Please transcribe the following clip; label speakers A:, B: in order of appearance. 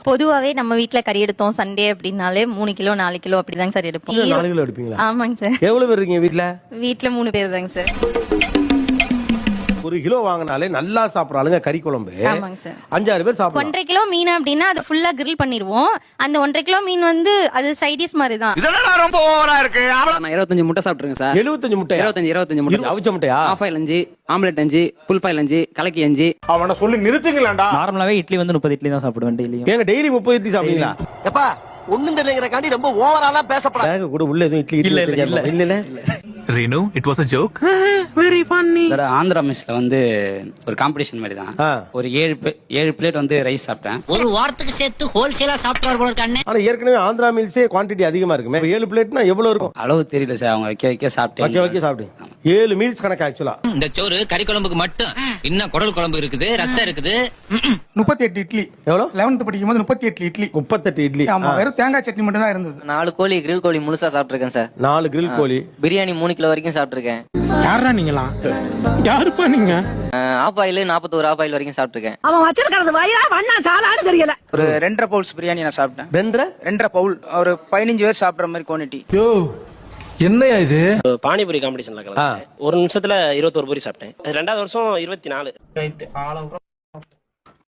A: பொதுவாவே நம்ம வீட்ல கறி எடுத்தோம் சண்டே அப்படின்னாலே 3 கிலோ 4 கிலோ அப்படிதாங்க சார் எடுப்போம்.
B: 4 கிலோ எடுப்பீங்களா?
A: ஆமாங்க சார்.
B: எவ்வளவு பேர் இருக்கீங்க வீட்ல?
A: வீட்ல 3 பேர் தாங்க சார்.
B: 1 கிலோ வாங்கினாலே நல்லா சாப்பிடறாளுங்க கறி குழம்பு.
A: ஆமாங்க சார்.
B: 5-6 பேர் சாப்பிடுவாங்க.
A: 1.5 கிலோ மீன் அப்படின்னா அது ஃபுல்லா கிரில் பண்ணிடுவோம். அந்த 1.5 கிலோ மீன் வந்து அது சைடிஸ் மாதிரி தான்.
C: இதெல்லாம் ரொம்ப ஓவரா இருக்கு.
D: நான் 25 முட்டை சாப்பிட்டுருக்கேன் சார்.
B: 75 முட்டை?
D: 25 முட்டை.
B: அவிச்ச முட்டையா?
D: Half boil 5, omelette 5, full boil 5, கலக்கி 5.
C: அவனை சொல்லி நிறுத்துங்களேன்டா.
E: நார்மலாவே இட்லி வந்து 30 இட்லி தான் சாப்பிடுவேன் டெய்லியும்.
B: ஏங்க டெய்லி 30 இட்லி சாப்பிடுவீங்களா?
F: எப்பா ஒண்ணும் தெரியலங்கறகாண்டி ரொம்ப ஓவராலா பேசப்படாத.
B: பேக் கூட உள்ள எதுவும் இட்லி இல்ல.
G: Renu, it was a joke. Very funny.
D: Andhra மெஸ்ல வந்து ஒரு காம்படிஷன் மாதிரி தான். ஒரு 7 பிளேட் வந்து ரைஸ் சாப்பிட்டேன்.
H: ஒரு வாரத்துக்கு சேர்த்து ஹோல்சேலா சாப்பிட்டார் போல இருக்கானே.
B: ஆனா ஏற்கனவே ஆந்திரா மீல்ஸே குவாண்டிட்டி அதிகமா இருக்குமே. 7 பிளேட்னா எவ்வளவு இருக்கும்?
D: அளவு தெரியல சார். அவங்க வைக்க சாப்பிட்டேன்.
B: வைக்க சாப்பிட்டேன். 7 மீல்ஸ் கணக்கு ஆக்சுவலா.
H: இந்த சோறு கறி குழம்புக்கு மட்டும். இன்னும் குடல் குழம்பு இருக்குது, ரசம் இருக்குது.
I: 38 இட்லி.
B: எவ்வளவு?
I: 11th படிக்கும் போது 38 இட்லி.
B: 38 இட்லி.
I: ஆமா, வெறும் தேங்காய் சட்னி மட்டும் தான் இருந்தது.
F: 4 கோழி கிரில் கோழி முழுசா சாப்பிட்டுருக்கேன் சார்.
B: 4 கிரில் கோழி.
F: பிரியாணி 3 கிலோ வரைக்கும் சாப்பிட்டுருக்கேன்.
C: யாரா நீங்களா? யாருப்பா நீங்க?
F: ஆஃப் ஆயில் 41 ஆஃப் ஆயில் வரைக்கும் சாப்பிட்டுருக்கேன்.
J: அவன் வச்சிருக்கிறது வயிறா வண்ணா சாலான்னு தெரியல.
I: ஒரு 2.5 பவுல்ஸ் பிரியாணி நான் சாப்பிட்டேன்.
B: 2.5
I: பவுல் ஒரு 15 பேர் சாப்பிடுற மாதிரி குவாண்டிட்டி.
C: யோ என்னையா இது?
E: பானிபூரி காம்படிஷன்ல கலந்தேன். ஒரு நிமிஷத்துல 21 பூரி சாப்பிட்டேன். 2வது வருஷம் 24.